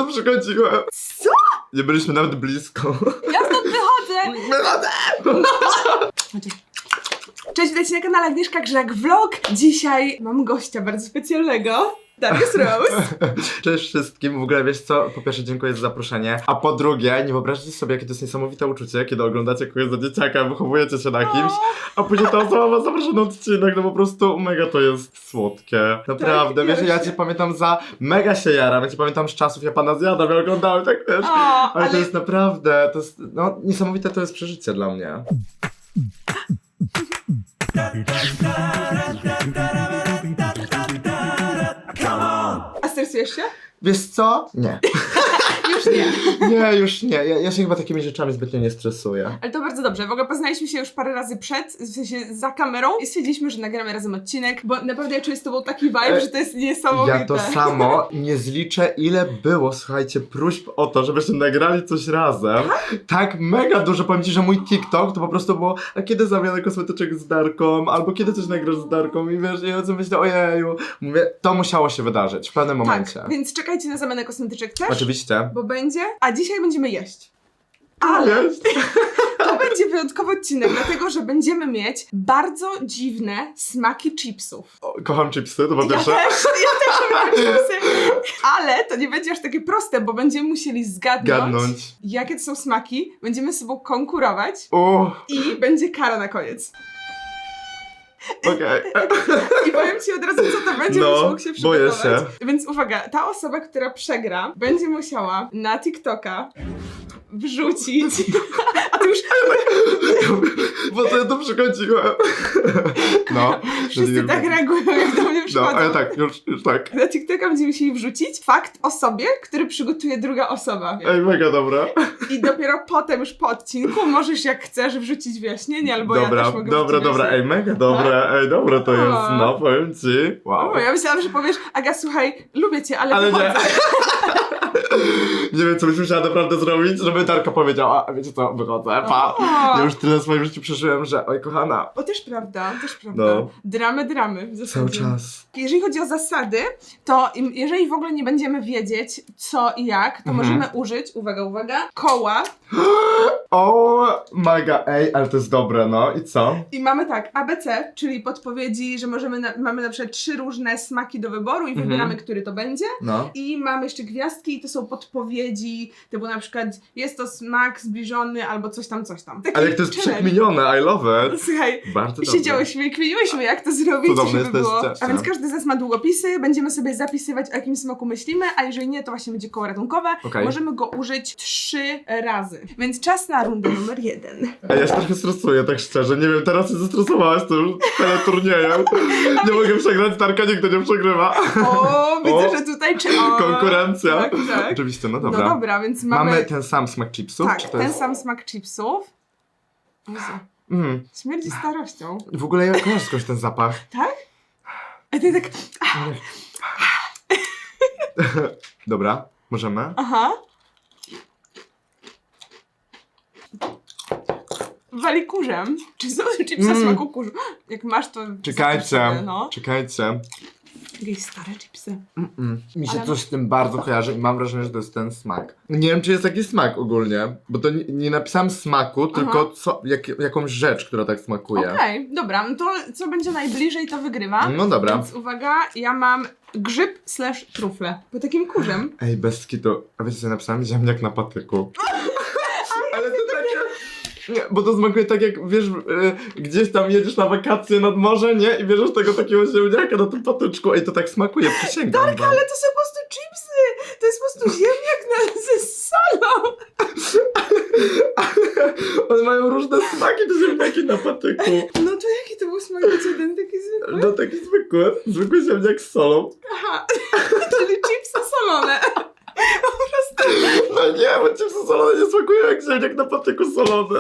przychodziłem. Co? Nie byliśmy nawet blisko. Ja stąd wychodzę! Wychodzę! Cześć, witajcie na kanale Agnieszka Grzak Vlog. Dzisiaj mam gościa bardzo specjalnego. Darius Rose. Cześć wszystkim. W ogóle wiesz co? Po pierwsze dziękuję za zaproszenie. A po drugie, nie wyobraźcie sobie, jakie to jest niesamowite uczucie, kiedy oglądacie kogoś za dzieciaka, wychowujecie się na kimś, a później ta osoba was zaprasza na odcinek. No po prostu mega to jest słodkie. Naprawdę, Tak, wiesz, ja właśnie. cię pamiętam mega się jaram. Ja cię pamiętam z czasów, ja pana zjadam, ja oglądałem, tak wiesz. Ale to jest naprawdę, to jest, no niesamowite to jest przeżycie dla mnie. A stresujesz się? Wiesz co? Nie. Już nie. Nie, już nie. Ja się chyba takimi rzeczami zbytnio nie stresuję. Ale to bardzo dobrze. W ogóle poznaliśmy się już parę razy w sensie za kamerą i stwierdziliśmy, że nagramy razem odcinek, bo naprawdę ja czuję z tobą taki vibe, że to jest niesamowite. Ja to samo nie zliczę, ile było, słuchajcie, próśb o to, żebyśmy nagrali coś razem. Tak mega dużo. Powiem ci, że mój TikTok to po prostu było, a kiedy zamianę kosmetyczek z Darką, albo kiedy coś nagrasz z Darką i wiesz, ja myślę, ojeju. Mówię, to musiało się wydarzyć w pewnym momencie. Tak, więc czekajcie na zamianę kosmetyczek też. Oczywiście. Bo będzie, a dzisiaj będziemy jeść. Ale to będzie wyjątkowy odcinek, dlatego że będziemy mieć bardzo dziwne smaki chipsów. Kocham chipsy, to po Ja pierwsze. też lubię chipsy. Ale to nie będzie aż takie proste, bo będziemy musieli zgadnąć, jakie to są smaki, będziemy z sobą konkurować i będzie kara na koniec. Okej. I powiem ci od razu, co to będzie, No, żebyś mógł się boję przygotować. się. Więc uwaga, ta osoba, która przegra, będzie musiała na TikToka wrzucić. A ty już Bo to ja tu przychodziłem. No. wszyscy tak reagują, jak do mnie No, przychodzą. ale tak, już tak. Na TikToka będziemy musieli wrzucić fakt o sobie, który przygotuje druga osoba. Ej, mega dobra. I dopiero potem, już po odcinku, możesz jak chcesz wrzucić wyjaśnienie, albo ja Dobra, też mogę dobra, wrzucić dobra, wyjaśnienie. ej, mega dobre, ej, dobre to jest, no, powiem ci. Wow. O, ja myślałam, że powiesz, Aga, słuchaj, lubię cię, ale Ale nie. wychodzę. Nie wiem, co byś musiała naprawdę zrobić, żeby Darka powiedziała, a wiecie co, wychodzę, pa. O. Ja już tyle w swoim życiu przeżyłem, że oj, kochana. O, też prawda, też prawda. No. Dramy w zasadzie. Cały czas. Jeżeli chodzi o zasady, to jeżeli w ogóle nie będziemy wiedzieć co i jak, to możemy użyć, uwaga, koła O, mega, ej, ale to jest dobre, no, i co? i mamy tak, ABC, czyli podpowiedzi, że mamy na przykład 3 różne smaki do wyboru i wybieramy, który to będzie. No. I mamy jeszcze gwiazdki i to są podpowiedzi, typu na przykład jest to smak zbliżony albo coś tam. Taki Ale jak to jest challenge. przekminione, I love it. Słuchaj, Bardzo dobrze. siedziałyśmy i kminiłyśmy, jak to zrobić, Cudowne żeby było. jesteście. A więc każdy z nas ma długopisy, będziemy sobie zapisywać, o jakim smaku myślimy, a jeżeli nie, to właśnie będzie koło ratunkowe. Okej. Możemy go użyć 3 razy. Więc czas na rundę numer 1. Ej, ja się trochę stresuję, tak szczerze, nie wiem, teraz się zestresowałaś tym teleturniejem. Nie mogę przegrać, Darka nigdy nie przegrywa. O, widzę, O. że tutaj Konkurencja. Tak, tak. Oczywiście, no No dobra. dobra, więc Mamy ten sam smak chipsów? tak, czy to ten jest... sam smak chipsów. Jezu, śmierdzi starością. W ogóle ja kojarzę skądś ten zapach. Tak? A ty tak, Dobra, możemy? aha. Wali kurzem. Czy są chipsy smaku kurzu? Jak masz, to Czekajcie, zapisz sobie, no. czekajcie. Jakieś stare chipsy. Mi się Ale- coś z tym bardzo kojarzy i mam wrażenie, że to jest ten smak. Nie wiem, czy jest jakiś smak ogólnie, bo to nie napisałem smaku, tylko jakąś rzecz, która tak smakuje. Okej, dobra, no to co będzie najbliżej, to wygrywa. No dobra. Więc uwaga, ja mam grzyb / trufle. Po takim kurzem. Ej, bez kitu. A wiecie co ja napisałem? Ziemniak na patyku. Ale to takie... Nie, bo to smakuje tak jak, wiesz, gdzieś tam jedziesz na wakacje nad morze, nie? I bierzesz tego takiego ziemniaka na tym patyczku. Ej, to tak smakuje, przysięgam wam. Ale to są po prostu chipsy! To jest po prostu ziemniak ze solą! One mają różne smaki, te ziemniaki na patyku. No to jaki to był smak? To jeden taki zwykły? No taki zwykły ziemniak z solą. Aha, czyli chipsy solone. No nie, bo chipsy solone nie smakują jak ziemniak na patyku solone.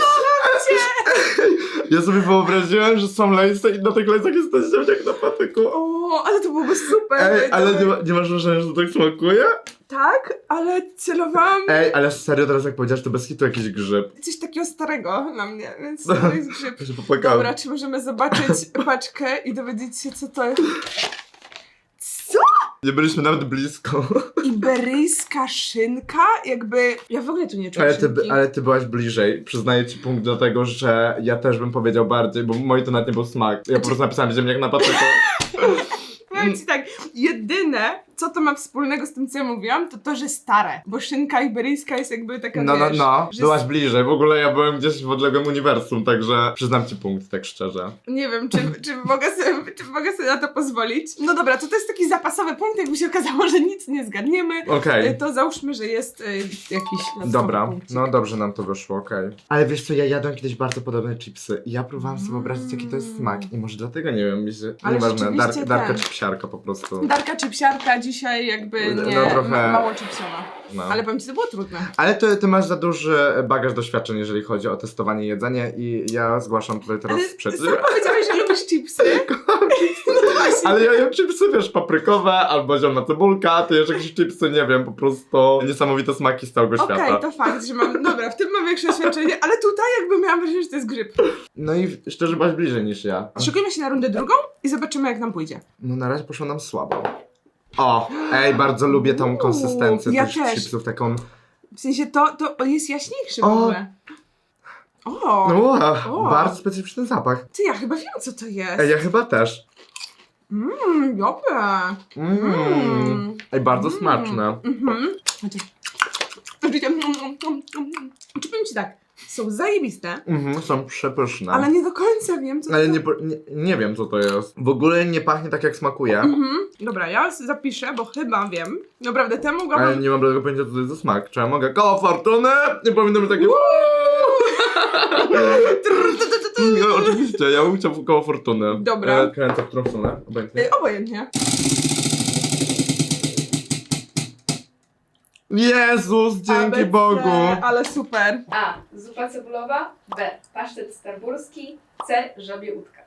Ja sobie wyobraziłem, że są lejce i na tych lejcach jest ten ziemniak na patyku. O, ale to byłoby super. Ej, ale nie masz wrażenia, że to tak smakuje? Tak, ale celowałam Ej, ale serio teraz jak powiedziałeś, to bez hitu jakiś grzyb. coś takiego starego na mnie, więc to jest grzyb. Ja się popłakałem. Dobra, czy możemy zobaczyć paczkę i dowiedzieć się, co to jest? Co? Nie byliśmy nawet blisko. Iberyjska szynka? Jakby... Ja w ogóle tu nie czuję szynki. Ale ty byłaś bliżej. Przyznaję ci punkt do tego, że ja też bym powiedział bardziej, bo mój to nawet nie był smak. Ja po prostu napisałem ziemniak na patyku. Powiem ci tak, jedyne, co to ma wspólnego z tym, co ja mówiłam, to to, że stare. Bo szynka iberyjska jest jakby taka, wiesz, że byłaś bliżej. W ogóle ja byłem gdzieś w odległym uniwersum, także przyznam ci punkt, tak szczerze. Nie wiem, czy mogę sobie na to pozwolić. No dobra, to jest taki zapasowy punkt, jakby się okazało, że nic nie zgadniemy. Okej. To załóżmy, że jest jakiś Dobra, punkcik. no dobrze nam to wyszło, okej. Ale wiesz co, ja jadłem kiedyś bardzo podobne chipsy i ja próbowałam sobie wyobrazić, jaki to jest smak i może dlatego, nie wiem, mi się... Ale Nieważne, rzeczywiście Darka ten. czy psiarka po prostu. Darka czy psiarka dzisiaj jakby nie, No trochę- mało chipsowa. No. Ale powiem ci, to było trudne. Ale ty masz za duży bagaż doświadczeń, jeżeli chodzi o testowanie jedzenia i ja zgłaszam tutaj teraz Ale sprzeciw. sam powiedziałeś, że lubisz chipsy. Ale ja jem chipsy, wiesz, paprykowe albo zielona cebulka, ty jesz jakieś chipsy, nie wiem, po prostu niesamowite smaki z całego Okej, świata. to fakt, że mam... Dobra, w tym mam większe doświadczenie, ale tutaj jakby miałam wrażenie, że to jest grzyb. No i szczerze byłaś bliżej niż ja. Szykujmy się na rundę drugą i zobaczymy, jak nam pójdzie. No na razie poszło nam słabo. O, bardzo lubię tą konsystencję ja tych też. chipsów, taką... W sensie to jest jaśniejszy w O! ogóle. O! O. Bardzo specyficzny zapach. Ty, ja chyba wiem, co to jest. Ja chyba też. Dobre. Bardzo smaczne. Czy powiem ci tak, są zajebiste, Są przepyszne. ale nie do końca wiem, co Ale to nie wiem, co to jest. W ogóle nie pachnie tak, jak smakuje. Dobra, ja zapiszę, bo chyba wiem. Naprawdę, temu mogłabym... Ale nie mam żadnego pojęcia, co to jest za smak. Czy ja mogę? Koło fortuny? Nie powinno być takie... No, oczywiście, ja bym chciał koło fortuny. Dobra. Kręcę w którą stronę, obojętnie. Obojętnie. Jezus, dzięki ABC, Bogu! Ale super. A. Zupa cebulowa. B. Pasztet starburski. C. Żabie udka.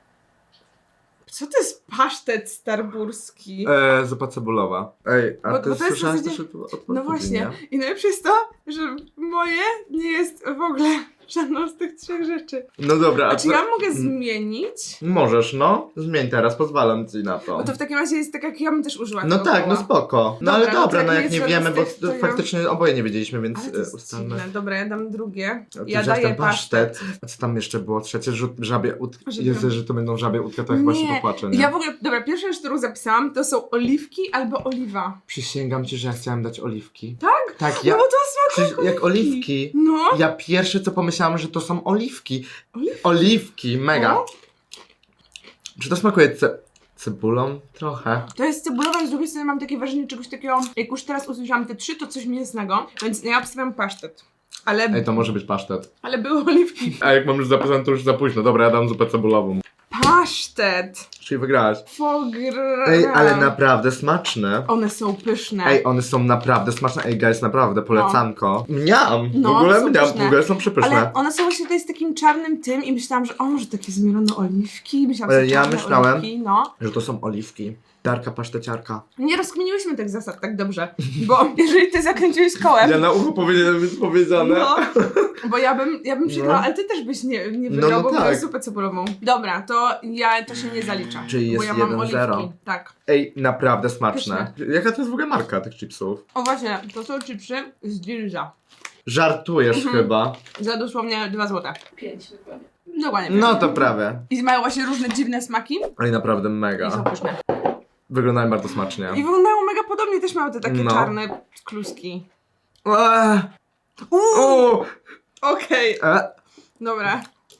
Co to jest pasztet starburski? Zupa cebulowa. Ej, a Bo ty to jest w słyszałaś zasadzie- też odpowiedzi, No właśnie. nie? I najlepsze jest to, że moje nie jest w ogóle żadną z tych trzech rzeczy. No dobra, A czy ja mogę zmienić? Możesz, no. Zmień teraz, pozwalam ci na to. Bo to w takim razie jest tak, jak ja bym też użyła No tego tak, no koła. spoko. No Dobra, ale no dobra, to no jak jak nie nie jest wiemy, żadna bo z tych, to ja- faktycznie oboje nie wiedzieliśmy, więc Ale to jest ustalmy. dziwne. Dobra, ja dam drugie. A ty Ja wziąłeś daję ten pasztet. A co tam jeszcze było? Trzecie, żabie udki. Żabie- Jezu, że to będą żabie udka, to ja chyba się Nie, popłaczę, nie? Ja w ogóle, dobra, pierwsza rzecz, którą zapisałam, to są oliwki albo oliwa. Przysięgam ci, że ja chciałam dać oliwki. Tak? Tak, ja... No bo to smakuje Jak oliwki. No. Ja pierwsze co pomyślałam, że to są oliwki. Oliwki? Oliwki, mega. O. Czy to smakuje cebulą? Trochę. To jest cebulowa, z drugiej strony mam takie wrażenie czegoś takiego, jak już teraz usłyszałam te trzy, to coś mięsnego, więc ja obstawiam pasztet. Ej, to może być pasztet. Ale były oliwki. A jak mam już zapisane, to już za późno. Dobra, ja dam zupę cebulową. Pasztet. Czyli wygrałaś. Fogra. Ej, ale naprawdę smaczne. One są pyszne. Ej, one są naprawdę smaczne. Ej, guys, naprawdę, polecanko. Mniam! No, w ogóle są mniam, pyszne. w ogóle są przepyszne. Ale one są właśnie tutaj z takim czarnym tym i myślałam, że o, może takie zmielone oliwki. Myślałam, Ale że ja czarne myślałem- oliwki, no. Że to są oliwki. Darka paszteciarka. Nie rozkminiłyśmy tych zasad tak dobrze, bo jeżeli ty zakręciłeś kołem, Ja na ucho powinienem być powiedziane. no, bo ja bym przegrała, No. ale ty też byś nie wygrał, no bo tak. byłeś zupę cebulową. Dobra, to się nie zalicza. Czyli jest bo ja mam 1-0. oliwki. Tak. Ej, naprawdę smaczne. Jaka to jest w ogóle marka tych chipsów? O właśnie, to są chipsy z Dirza. Żartujesz chyba. Za dosłownie 2 zł. 5 dokładnie. Dokładnie. No to prawie. I mają właśnie różne dziwne smaki Ale naprawdę i są mega. pyszne. Wyglądają bardzo smacznie. I wyglądają mega podobnie, też miały te takie No. czarne kluski. Eee, Uuu, okej. e, Dobra,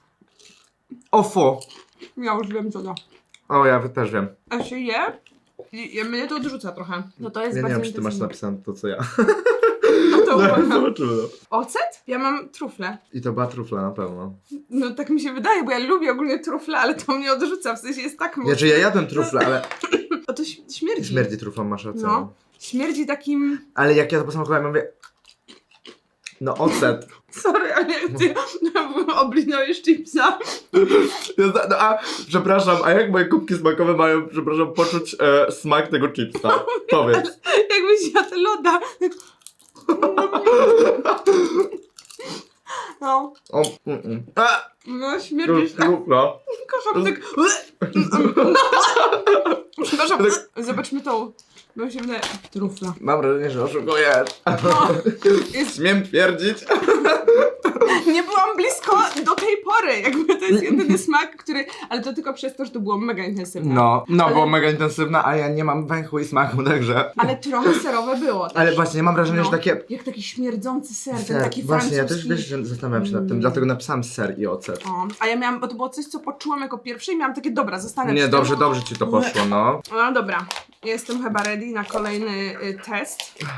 o fu. ja już wiem co to. O, ja też wiem. A się je? I mnie to odrzuca trochę. No to jest Ja nie bardzo wiem, czy ty masz intensywne. napisane to, co ja. No to uważam. Zobaczymy. Ocet? Ja mam trufle. I to była trufla na pewno. No tak mi się wydaje, bo ja lubię ogólnie trufle, ale to mnie odrzuca, w sensie jest tak mocno. Ja jadłem trufle, ale O, to śmierdzi. śmierdzi truflą, masz rację. No. Śmierdzi takim... Ale jak ja to posmakowałem, mówię... No ocet. Sorry, ale jak ty oblinąłeś chipsa. Przepraszam, a jak moje kubki smakowe mają, przepraszam, poczuć smak tego chipsa? Powiedz. Jakbyś jadł loda. No. O, No, To śmierdzisz jest tak. trufla. Kocham tak. Przepraszam, zobaczmy tą. Bo się wydaje. Trufla. Mam wrażenie, że oszukujesz. No, jest, Śmiem twierdzić. nie byłam blisko do tej pory. Jakby to jest jedyny smak, który. Ale to tylko przez to, że to było mega intensywne. No, Ale- było mega intensywna, a ja nie mam węchu i smaku, także... Ale trochę serowe było. Też. Ale właśnie, mam wrażenie, No. że takie... Jak taki śmierdzący ser, ten Ser. taki Właśnie, ja też francuski. wiesz, że zastanawiam się nad tym, dlatego napisałam ser i ocet. O, a ja miałam, bo to było coś, co poczułam jako pierwsze i miałam takie, dobra, zostanę Nie, przy dobrze, tym. dobrze ci to poszło, no. No dobra, jestem chyba ready na kolejny test.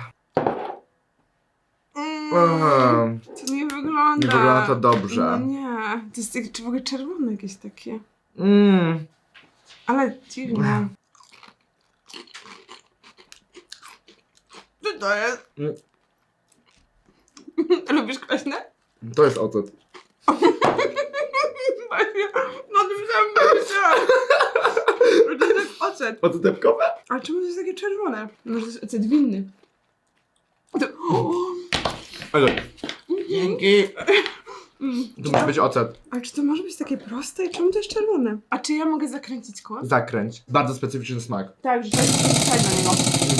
Aha, To nie wygląda. nie wygląda to dobrze. No nie, to jest w ogóle czerwone jakieś takie. Mm. Ale dziwne. Co to jest? Mm. Lubisz kwaśne? To jest ocet. No to myślałam. To jest ocet. Ocetepkowe? Ale czemu to jest takie czerwone? Może to jest ocet winny. To... Ale... Dzięki. Mm. Tu musi być ocet. A czy to może być takie proste i czemu to jest czerwone? A czy ja mogę zakręcić koło? Zakręć. Bardzo specyficzny smak. Tak, że to jest wstać do niego.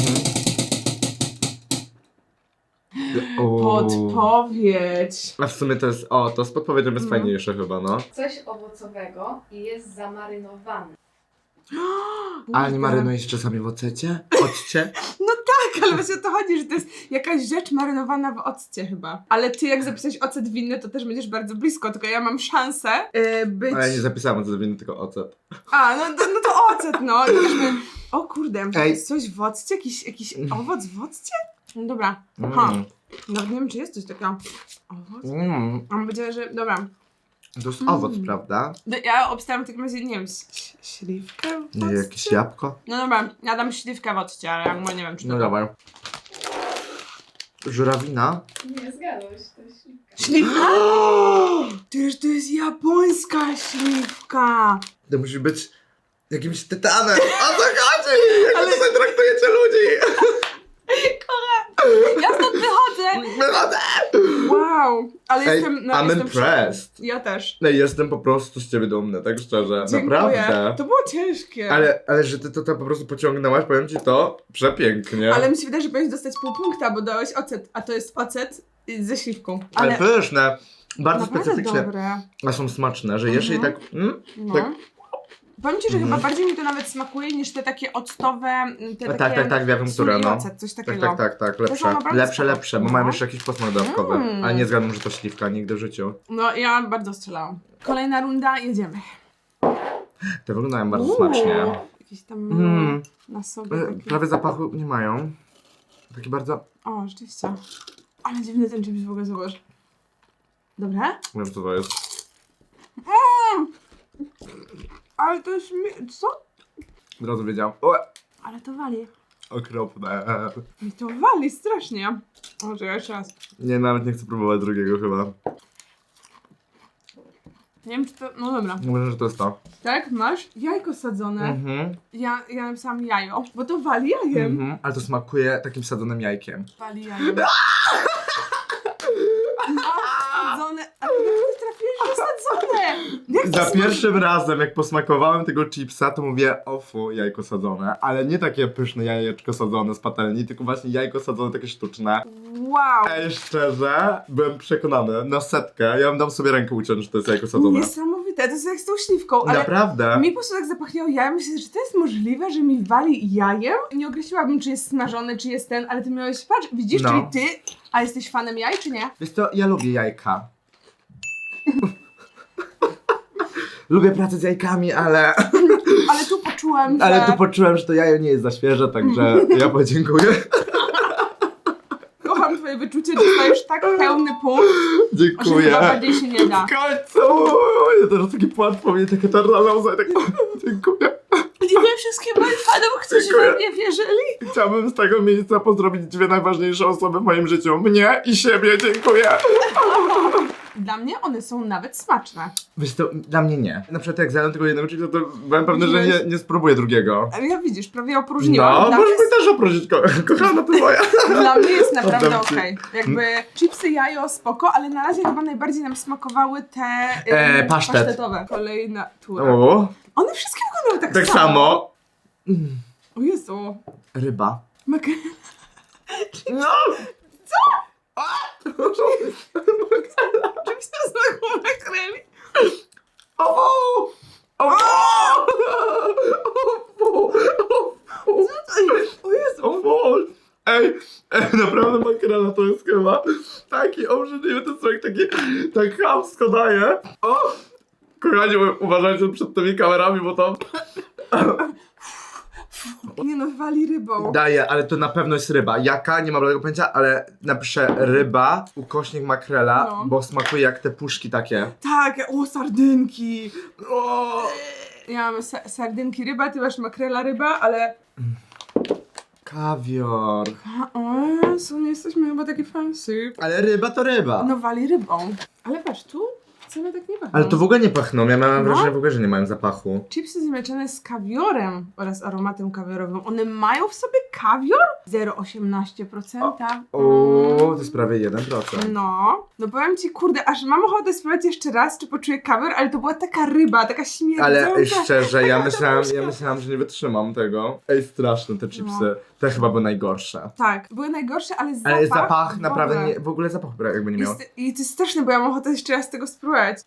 Podpowiedź. A w sumie to jest... O, to z podpowiedzią jest fajniejsze chyba, no. Coś owocowego i jest zamarynowany. A nie marynujesz czasami w ocecie? Occie? Tak, ale właśnie o to chodzi, że to jest jakaś rzecz marynowana w occie chyba. Ale ty jak zapisałeś ocet winny, to też będziesz bardzo blisko, tylko ja mam szansę być... Ale ja nie zapisałam ocet winny, tylko ocet. A, no to ocet, no. I też O kurde, Ej. jest coś w occie? Jakiś owoc w occie? No dobra. Aha. Nawet nie wiem, czy jest coś takiego. Owoc? Mm. Mam nadzieję, że... Dobra. To jest owoc, prawda? Ja obstawiam w takim razie, nie wiem, śliwkę w occie? Nie, jakieś jabłko? No dobra, ja dam śliwkę w occie, ale jakby nie wiem, czy to... No dawaj. Żurawina? Nie zgadłeś, to jest śliwka. Śliwka? To jest japońska śliwka! To musi być jakimś tytanem. O co chodzi? Jak Ale- wy tutaj traktujecie ludzi? Ja stąd wychodzę! Wychodzę! Wow! Ale Ej, jestem... I'm jestem impressed. Ja też. No jestem po prostu z ciebie dumny, tak szczerze. Dziękuję. Naprawdę. To było ciężkie. Ale że ty to po prostu pociągnęłaś, powiem ci to przepięknie. Ale mi się wydaje, że powinieneś dostać pół punkta, bo dałeś ocet, a to jest ocet ze śliwką. Ale pyszne. Bardzo naprawdę specyficzne. dobre. A są smaczne, że jesz i tak... No. tak. Powiem ci, że Mhm. chyba bardziej mi to nawet smakuje niż te takie octowe, te takie Tak, wiem, sól które i no. ocet, coś Tak, takiego. tak, są lepsze. naprawdę spoko. Lepsze, bo No. mają jeszcze jakiś posmak dodatkowy. Mm. Ale nie zgadzam, że to śliwka nigdy w życiu. No ja bardzo strzelałam. Kolejna runda, jedziemy. Te wyglądają bardzo smacznie. Jakieś tam Mm. na sobie takie... Prawie zapachu nie mają. Takie bardzo... O, rzeczywiście. Ale dziwny ten czymś w ogóle, zobacz. Dobre? Nie wiem co to jest. Ale to jest... Co? Od razu wiedziałam. O, Ale to wali. okropne. I to wali strasznie. O, czekaj, jeszcze raz. Nie, nawet nie chcę próbować drugiego chyba. Nie wiem, czy to... No dobra. Myślę, że to jest to. Tak? Masz? Jajko sadzone. Mhm. Ja napisałam jajo, bo to wali jajem. Mhm. Ale to smakuje takim sadzonym jajkiem. Wali jajem. Sadzone. A jak ty trafiłeś, że sadzone? Jak to Za smakuje? pierwszym razem, jak posmakowałem tego chipsa, to mówię, o fu, jajko sadzone. Ale nie takie pyszne jajeczko sadzone z patelni, tylko właśnie jajko sadzone takie sztuczne. Wow. Ej, szczerze, byłem przekonany na setkę. Ja bym dał sobie rękę uciąć, że to jest jajko sadzone. Niesamowite, to jest jak z tą śliwką, ale Naprawdę? mi po prostu tak zapachniało jajem. Myślę, że to jest możliwe, że mi wali jajem? Nie określiłabym, czy jest smażony, czy jest ten, ale ty miałeś, patrz, widzisz, No. czyli ty, a jesteś fanem jaj, czy nie? Wiesz co, ja lubię jajka. Lubię pracę z jajkami, ale... Ale tu poczułam, że... Ale tu poczułem, że to jajo nie jest za świeże, także ja podziękuję. Kocham twoje wyczucie, dostajesz tak pełny punkt, że Dziękuję. chyba bardziej się nie da. W końcu! Ja teraz taki płat po mnie, takie czarna łza i tak... Dziękuję. Dziękuję wszystkim moim fanom, którzy Dziękuję. we mnie wierzyli. Chciałbym z tego miejsca pozdrowić dwie najważniejsze osoby w moim życiu. Mnie i siebie, dziękuję. Dla mnie one są nawet smaczne. Wiesz to, dla mnie nie. Na przykład jak zjadłem tego jednego chipsa, to byłem pewny, że nie spróbuję drugiego. Ale ja widzisz, prawie opróżniłam. No, Dla możesz mnie mi też opróżnić, kochana, to moja. Dla mnie jest naprawdę Oddam ci. okej. Jakby chipsy jajo spoko, ale na razie chyba najbardziej nam smakowały te Pasztet. pasztetowe. Kolejna tura. O, One wszystkie wyglądają tak samo. O Jezu. Ryba. Makrela. No! Czymś to smaku makreli? O! O! O Jezu. O! Ej, naprawdę makrela to jest chyba taki obrzydliwy, to jest taki, tak chamsko daje. O! Kochani, uważajcie przed tymi kamerami, bo to Nie no, wali rybą. daje, ale to na pewno jest ryba. Jaka? Nie mam żadnego pojęcia, ale napiszę ryba, ukośnik makrela, No. bo smakuje jak te puszki takie. Tak, o sardynki. O! Ja mam sardynki ryba, ty masz makrela ryba, ale... Kawior. O Jezu, nie jesteśmy chyba takie fancy. Ale ryba to ryba. No wali rybą. Ale patrz, tu wcale tak nie pachną. Ale to w ogóle nie pachną, ja miałem No. wrażenie w ogóle, że nie mają zapachu. Chipsy zmieszane z kawiorem oraz aromatem kawiorowym. One mają w sobie kawior? 0,18%. O, to jest prawie 1%. No powiem ci, kurde, aż mam ochotę spróbować jeszcze raz, czy poczuję kawior, ale to była taka ryba, taka śmierdząca. Ale szczerze, ja myślałam, że nie wytrzymam tego. Ej, straszne te chipsy. No. Te chyba były najgorsze. Tak, były najgorsze, ale zapach... Ale zapach w naprawdę ogóle. nie, w ogóle zapachu jakby nie miał. I to jest straszne, bo ja mam ochotę jeszcze raz tego spróbować.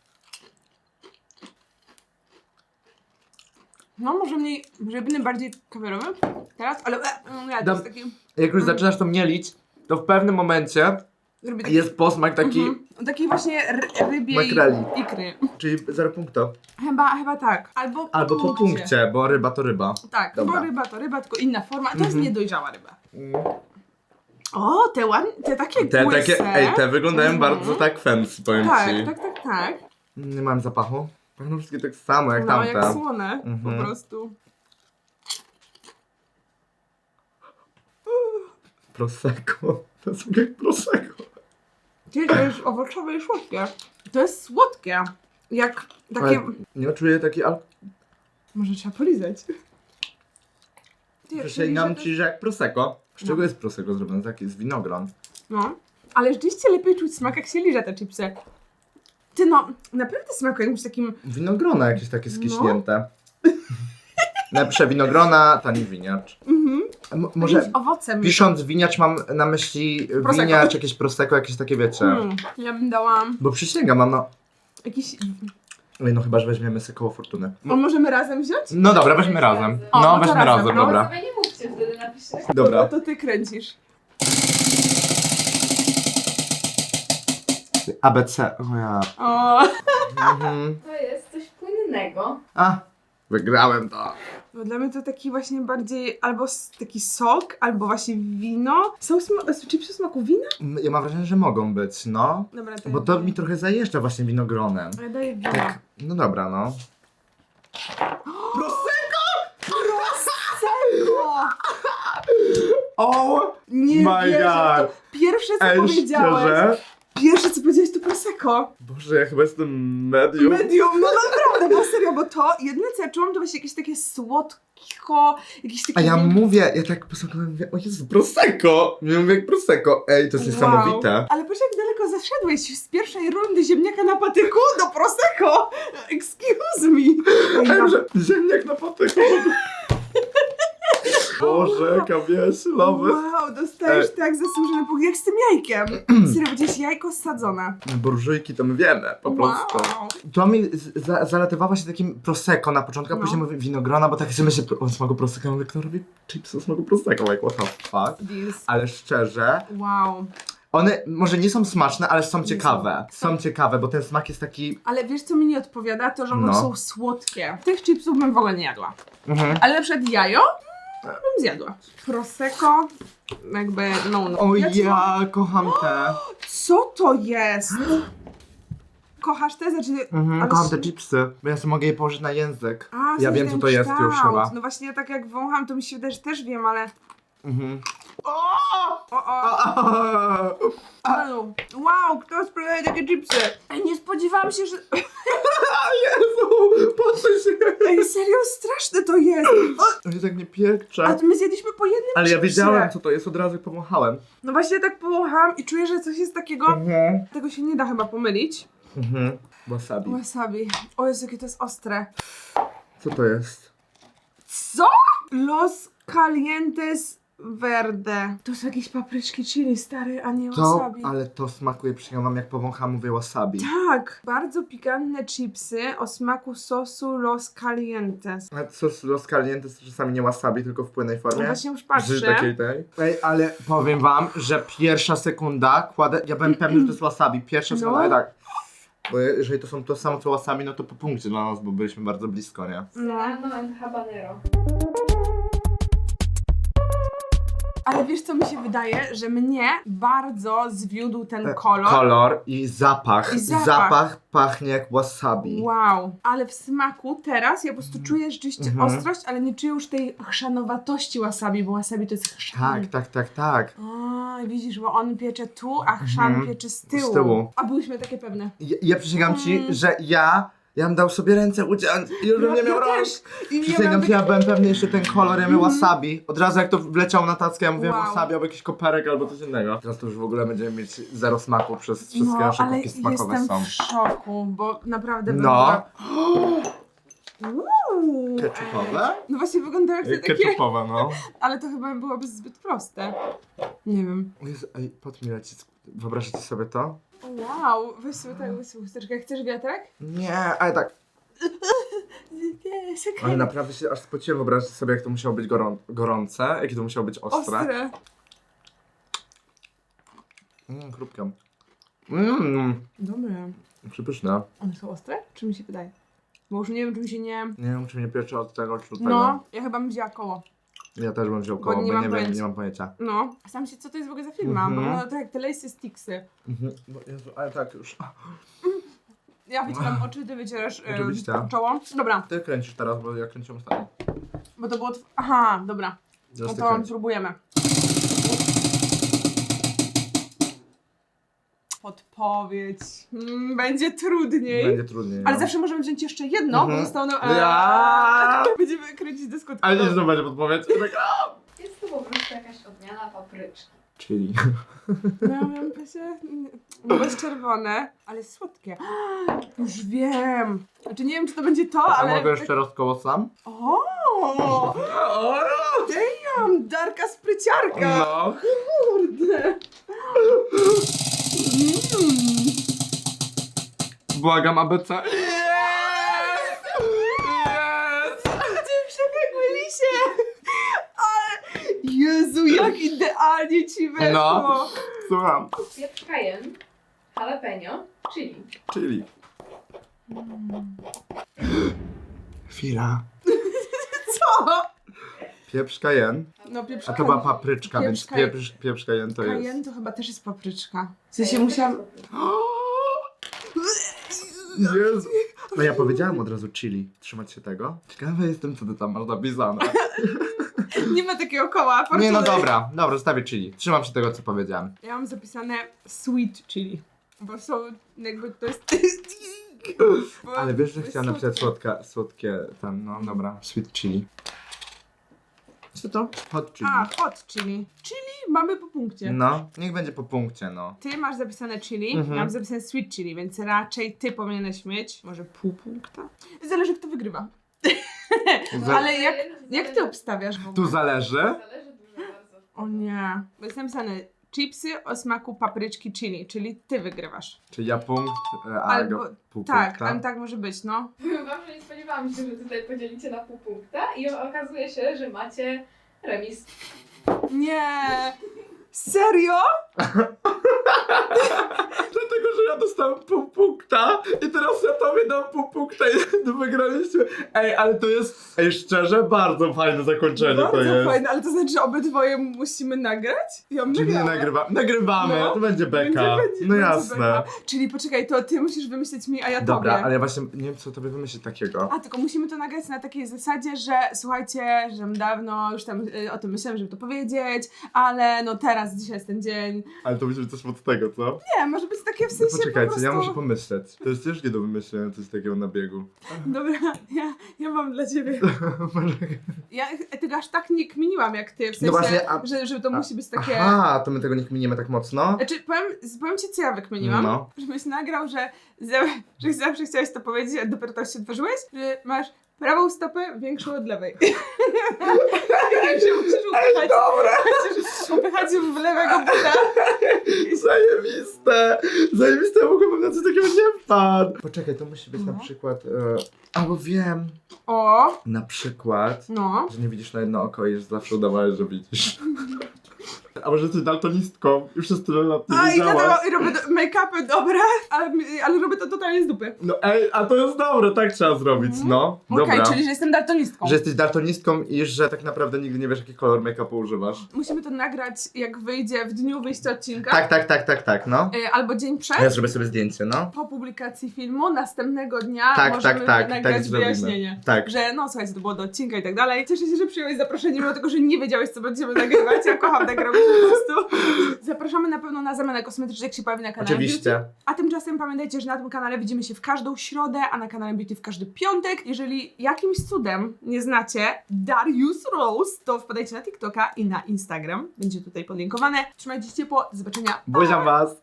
No, może będę bardziej kawiorowy teraz, ale ja to jest taki... Jak już zaczynasz to mielić, to w pewnym momencie Zrobię taki jest posmak taki, taki właśnie rybiej Makreli. ikry. czyli 0 punktu. Chyba tak. Albo Po punkcie, bo ryba to ryba. Tak, Dobra. bo ryba to ryba, tylko inna forma. To jest niedojrzała ryba. Mm. O, te ładne, te takie Te błyse. takie, te wyglądają bardzo tak fancy, powiem Tak, ci. tak. Nie mam zapachu. Pachną wszystkie tak samo jak No, tamte. jak słone, Mhm. po prostu. Prosecco. To jest jak Prosecco. Czyli to jest owocowe i słodkie. To jest słodkie. Jak takie... Ale nie czuję taki Może trzeba polizać. Przysięgam ci, że jak Prosecco. Z czego jest Prosecco zrobione? Taki z winogron. No. Ale rzeczywiście lepiej czuć smak, jak się liże te chipsy. Ty no, naprawdę smakuje jakimś takim... Winogrona jakieś takie skiśnięte. Napiszę winogrona, tani winiacz. Może jakimś owocem. pisząc winiacz mam na myśli Prosecco. winiacz, jakieś Prosecco, jakieś takie wiecie. Ja bym dała Bo przysięgam, mam no... jakiś... Oj, no chyba, że weźmiemy sobie koło fortuny. O, możemy razem wziąć? No dobra, weźmy razem. O, No, no to weźmy razem, razem, no. dobra. Sobie nie mówcie, wtedy napiszę. Dobra. To ty kręcisz. ABC, o ja. O, Mhm. To jest coś płynnego. A, wygrałem to. bo dla mnie to taki właśnie bardziej albo taki sok, albo właśnie wino. Są chipsy w smaku wina? Ja mam wrażenie, że mogą być, no. Dobra, to Bo to mi trochę zajeżdża właśnie winogronem. Ja daję wino. Tak, no dobra, no. Prosecco! O! Nie My wierzę, God. to pierwsze co Ej, powiedziałeś. szczerze? Pierwsze co powiedziałeś to Prosecco. Boże, ja chyba jestem medium. Medium, no naprawdę, bo serio, bo to jedyne co ja czułam to właśnie jakieś takie słodko, jakieś takie... A ja mówię, ja tak posłuchałem, mówię, o Jezu, Prosecco! Ja mówię jak Prosecco. Ej, to jest niesamowite. Ale patrz jak daleko zaszedłeś z pierwszej rundy ziemniaka na patyku do Prosecco. Excuse me. Ej, że ziemniak na patyku. Boże, jaka wieślowy. Wow, dostajesz tak zasłużony punkt, jak z tym jajkiem. Serio, będziesz jajko sadzone. Burżujki to my wiemy, po prostu. Wow. To mi zalatywała się takim Prosecco na początku, a No. później mówię winogrona, bo tak sobie myślę o smaku Prosecco, mówię, kto robi chipsy o smaku Prosecco, like what the fuck. This. Ale szczerze, Wow. one może nie są smaczne, ale są Nie ciekawe. Są ciekawe, bo ten smak jest taki... Ale wiesz co mi nie odpowiada? To, że one No. są słodkie. Tych chipsów bym w ogóle nie jadła. Ale na przykład jajo bym zjadła. Prosecco jakby no. O Ja ja kocham te. Co to jest? Kochasz te? Znaczy, ale Kocham te chipsy, bo ja sobie mogę je położyć na język. A, Ja coś wiem, co ten to jest już kształt. chyba. No właśnie, ja tak jak wącham, to mi się wydaje, że też wiem, ale... Mhm. O! Wow, kto spray? prawie takie chipsy. Ej, nie spodziewałam się, że... Jezu, patrzę się. Ej, serio, straszne to jest. O, To tak nie pieprze. a my zjedliśmy po jednym Ale ja chipsie. wiedziałem, co to jest, od razu jak pomachałem. No właśnie tak powąchałam i czuję, że coś jest takiego... Tego się nie da chyba pomylić. Wasabi. Wasabi. O Jezu, jakie to jest ostre. Co to jest? Co? Los Calientes Verde. To są jakieś papryczki chili, stary, a nie To, wasabi. ale to smakuje, przyjąłam jak powącham, mówię wasabi. Tak, bardzo pikantne chipsy o smaku sosu Los Calientes. A sos Los Calientes to czasami nie wasabi, tylko w płynnej No formie. właśnie już Żyj patrzę. takiej tej. Ej, ale powiem wam, że pierwsza sekunda kładę, ja byłem pewny, że to jest wasabi. Pierwsza No. sekunda, tak. Bo jeżeli to są to samo co wasabi, no to po punkcie dla nas, bo byliśmy bardzo blisko, nie? Serrano and habanero. Ale wiesz co mi się wydaje, że mnie bardzo zwiódł ten kolor. Kolor i zapach. I zapach. Zapach pachnie jak wasabi. Wow, ale w smaku teraz ja po prostu czuję rzeczywiście ostrość, ale nie czuję już tej chrzanowatości wasabi, bo wasabi to jest chrzan. Tak. A, widzisz, bo on piecze tu, a chrzan piecze z tyłu. Z tyłu. A byliśmy takie pewne. Ja przysięgam ci, że ja bym dał sobie ręce uciąć i już bym nie miał rąk. też. I Przysięgam ci, ja byłem pewny jeszcze ten kolor, ja miał wasabi. Od razu jak to wleciał na tackę, ja mówię Wow. wasabi albo jakiś koperek albo coś innego. Teraz to już w ogóle będziemy mieć zero smaku przez wszystkie nasze ale kubki smakowe jestem są. w szoku, bo naprawdę No. Uuu. Ketchupowe? No właśnie wygląda jak te takie, Ketchupowe, no. ale to chyba byłoby zbyt proste. Nie wiem. Jezu, ej, pot mi leci. Wyobrażacie sobie to? Wow, weź sobie tak, weź sobie chusteczkę. Chcesz wiatrek? Nie, ale tak. Ale naprawdę się aż spociłem, wyobraźcie sobie, jak to musiało być gorące, jakie to musiało być ostre. Ostre. Chrupkę. Dobre. Przypyszne. One są ostre? Czy mi się wydaje? Bo już nie wiem, czy mi się nie... Nie wiem, czy mnie piecze od tego, czy od tego. No, ja chyba bym wzięła koło. Ja też bym wziął koło, bo nie mam pojęcia. nie mam pojęcia. No. Sam się, co to jest w ogóle za firma? Bo wygląda to jak te Lacy Sticksy. Bo Jezu, ale tak już. Ja wycieram oczy, ty wycierasz Oczywiście. czoło. Dobra, Ty kręcisz teraz, bo ja kręciłem ostatnio. bo to było... Aha, dobra. Teraz No ty to kręć. próbujemy. Podpowiedź. Będzie trudniej. Będzie trudniej. Ale no. zawsze możemy wziąć jeszcze jedno, bo zostało nam... Ja! Będziemy kręcić dyskut. Ale nie znowu będzie podpowiedź. Tak, Jest to po prostu jakaś odmiana papryczki. Czyli. Miałam się... No bo jest czerwone, ale słodkie. Już wiem. Znaczy nie wiem, czy to będzie to, A ale... mogę jeszcze raz koło sam? O! Damn! Darka spryciarka! No. Kurde! Błagam, ABC. Yes! Ty przebiegły lisie! Ale... Jezu, jak idealnie ci weszło! No. Słucham. Pieprz cayenne, jalapeno, chili. Czyli. Chwila. Co? Pieprz cayenne. No pieprz A to była papryczka, więc Pieprz pieprz cayenne to jest. Cayenne to chyba też jest papryczka. W sensie musiałam... Jezu. No ja powiedziałam od razu chili. Trzymać się tego. Ciekawe jestem, co ty tam masz napisane. Nie ma takiego koła. Nie, no fortuny. dobra, zostawię chili. Trzymam się tego, co powiedziałem. Ja mam zapisane sweet chili. Bo są jakby to jest... Bo Ale wiesz, że to jest chciałem napisać słodkie. słodkie tam, no dobra. Sweet chili. Co to? Hot chili. A, hot chili. Chili mamy po punkcie. No, niech będzie po punkcie, no. Ty masz zapisane chili, Mhm. ja mam zapisane sweet chili, więc raczej ty powinieneś mieć może pół punkta. Zależy kto wygrywa. Ale jak ty obstawiasz w ogóle? Tu zależy. Zależy dużo bardzo. O nie. Bo jest napisane chipsy o smaku papryczki chili, czyli ty wygrywasz. Czy ja punkt, a Albo- go pół Tak, punkta. ale tak może być, no. Powiem wam, że nie spodziewałam się, że tutaj podzielicie na pół punkta i okazuje się, że macie remis. Nie! Serio? Dlatego, że ja dostałem pół punkta i teraz ja to tobie dam pół punkta i to wygraliśmy. Ej, ale to jest, szczerze, bardzo fajne zakończenie to Bardzo jest. fajne, ale to znaczy, że obydwoje musimy nagrać? Ja bym Czy nie nagrała. nagrywamy, No. to będzie beka. No będzie jasne. beka. Czyli poczekaj, to ty musisz wymyślić mi, a ja Dobra, tobie. ale ja właśnie nie wiem, co tobie wymyślić takiego. A, tylko musimy to nagrać na takiej zasadzie, że słuchajcie, że dawno już tam o tym myślałem, żeby to powiedzieć, ale no teraz, dzisiaj jest ten dzień. Ale to musi być coś od tego, co? Nie, może być takie w sensie Poczekajcie, po prostu... ja muszę pomyśleć. To jest ciężkie do wymyślenia coś takiego na biegu. Dobra, ja mam dla ciebie. Ja tego aż tak nie kminiłam jak ty, w sensie, No właśnie, że to musi być takie... Aha, to my tego nie kminimy tak mocno? Znaczy, powiem ci, co ja wykminiłam, No. żebyś nagrał, że zawsze chciałeś to powiedzieć, a dopiero to się otworzyłeś, że masz prawą stopę większą od lewej. I że musisz upychać, Dobra! musisz upychać w lewego buta. Zajebiste! Zajebiste, ja mogłabym na coś takiego nie wpadł. Poczekaj, to musi być No. na przykład... albo wiem. O, Na przykład... no. Że nie widzisz na jedno oko i że zawsze udawałeś, że widzisz. A może jesteś daltonistką i przez tyle lat nie A wiedziałaś. i robię make-upy, dobra, ale robię to totalnie z dupy. No ej, a to jest dobre, tak trzeba zrobić, no. Okej, Dobra. czyli że jestem daltonistką. Że jesteś daltonistką i że tak naprawdę nigdy nie wiesz, jaki kolor make-upu używasz. Musimy to nagrać, jak wyjdzie w dniu wyjścia odcinka. Tak, no. Albo dzień przed. Ja zrobię sobie zdjęcie, no. Po publikacji filmu, następnego dnia Tak, możemy tak nagrać zrobimy. wyjaśnienie. Tak. Że no słuchajcie, to było do odcinka i tak dalej. Cieszę się, że przyjąłeś zaproszenie, mimo tego, że nie wiedziałeś, co będziemy nagrywać. Ja kocham tak robić po prostu. Zapraszamy na pewno na zamianę kosmetyczną, jak się pojawi na kanale Oczywiście. Beauty. A tymczasem pamiętajcie, że na tym kanale widzimy się w każdą środę, a na kanale Beauty w każdy piątek. Jeżeli jakimś cudem nie znacie Darius Rose, to wpadajcie na TikToka i na Instagram. Będzie tutaj podlinkowane. Trzymajcie się ciepło, do zobaczenia. Buziam was.